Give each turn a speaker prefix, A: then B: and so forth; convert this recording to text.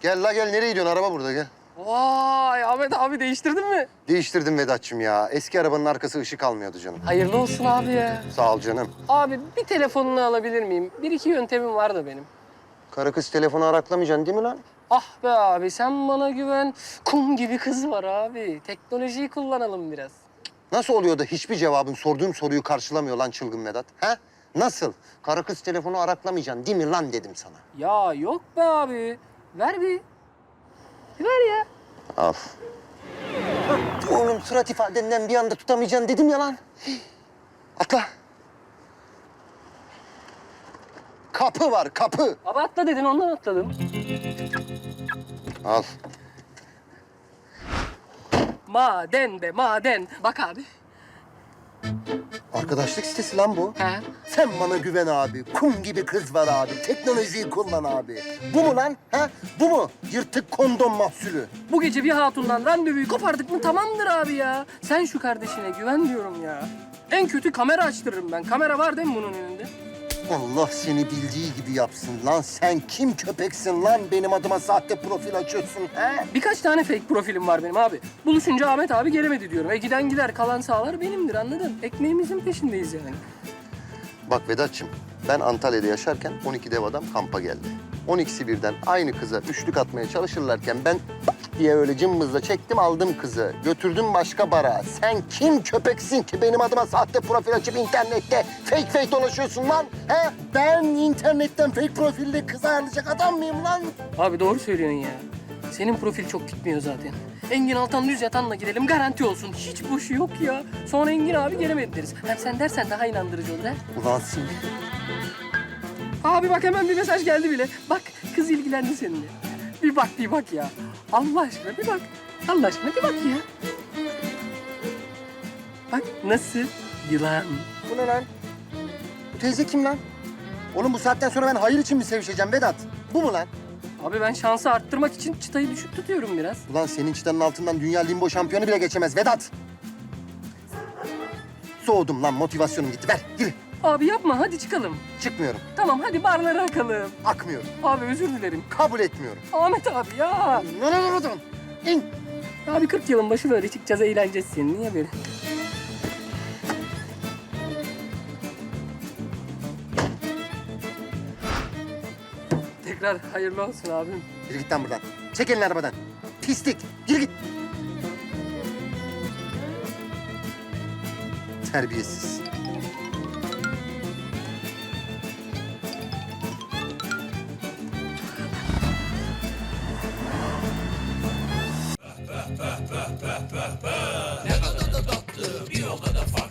A: Gel la gel, nereye gidiyorsun? Araba burada, gel.
B: Vay Ahmet abi değiştirdin mi?
A: Değiştirdim Vedat'cığım ya. Eski arabanın arkası ışık almıyordu canım.
B: Hayırlı olsun abi ya.
A: Sağ ol canım.
B: Abi bir telefonunu alabilir miyim? Bir iki yöntemim var da benim.
A: Karı kız telefonu araklamayacaksın değil mi lan?
B: Ah be abi sen bana güven. Kum gibi kız var abi. Teknolojiyi kullanalım biraz.
A: Nasıl oluyor da hiçbir cevabın sorduğum soruyu karşılamıyor lan çılgın Vedat? Ha? Nasıl? Karı kız telefonu araklamayacaksın değil mi lan dedim sana.
B: Ya yok be abi. Ver bir. Bir ver ya.
A: Al. Oğlum surat ifadenden bir anda tutamayacaksın dedim ya lan. Atla. Kapı var, kapı.
B: Abi atla dedin ondan atladım.
A: Al.
B: Maden be maden. Bak abi.
A: Arkadaşlık sitesi lan bu.
B: He.
A: Sen bana güven abi. Kum gibi kız var abi. Teknolojiyi kullan abi. Bu mu lan? Ha? Bu mu? Yırtık kondom mahsulü.
B: Bu gece bir hatundan randevuyu kopardık mı tamamdır abi ya. Sen şu kardeşine güven diyorum ya. En kötü kamera açtırırım ben. Kamera var değil mi bunun önünde?
A: Allah seni bildiği gibi yapsın lan. Sen kim köpeksin lan? Benim adıma sahte profil açıyorsun ha?
B: Birkaç tane fake profilim var benim abi. Buluşunca Ahmet abi gelemedi diyorum. Giden gider kalan sağlar benimdir anladın? Ekmeğimizin peşindeyiz yani.
A: Bak Vedat'cığım, ben Antalya'da yaşarken 12 dev adam kampa geldi. 12'si birden aynı kıza üçlük atmaya çalışırlarken ben diye öyle cımbızla çektim aldım kızı. Götürdüm başka bara. Sen kim köpeksin ki benim adıma sahte profil açıp internette fake dolaşıyorsun lan? He? Ben internetten fake profilde kız ayarlayacak adam mıyım lan?
B: Abi doğru söylüyorsun ya. Senin profil çok gitmiyor zaten. Engin Altan düz yatanla girelim garanti olsun. Hiç boşu yok ya. Sonra Engin abi gelemedi deriz. Hem sen dersen daha inandırıcı olur ha.
A: Ulan seni.
B: Abi bak hemen bir mesaj geldi bile. Bak kız ilgilendi seninle. Bir bak ya. Allah aşkına bir bak. Allah aşkına bir bak ya. Bak nasıl? Yılan.
A: Bu ne lan? Bu teyze kim lan? Oğlum bu saatten sonra ben hayır için mi sevişeceğim Vedat? Bu mu lan?
B: Abi ben şansı arttırmak için çıtayı düşük tutuyorum biraz.
A: Ulan senin çıtanın altından dünya limbo şampiyonu bile geçemez Vedat. Soğudum lan, motivasyonum gitti. Ver, gir.
B: Abi yapma hadi çıkalım.
A: Çıkmıyorum,
B: Tamam hadi barlara akalım.
A: akmıyorum,
B: Abi özür dilerim.
A: kabul etmiyorum.
B: Ahmet abi ya.
A: İn.
B: Abi 40 yılın başı böyle çıkacağız eğleneceğiz senin. Niye böyle? Tekrar hayırlı olsun abim.
A: Yürü git lan buradan. Çek elini arabadan. Pislik, yürü git. Terbiyesiz.
C: Ne kadar da tatlı, bir o kadar farklı.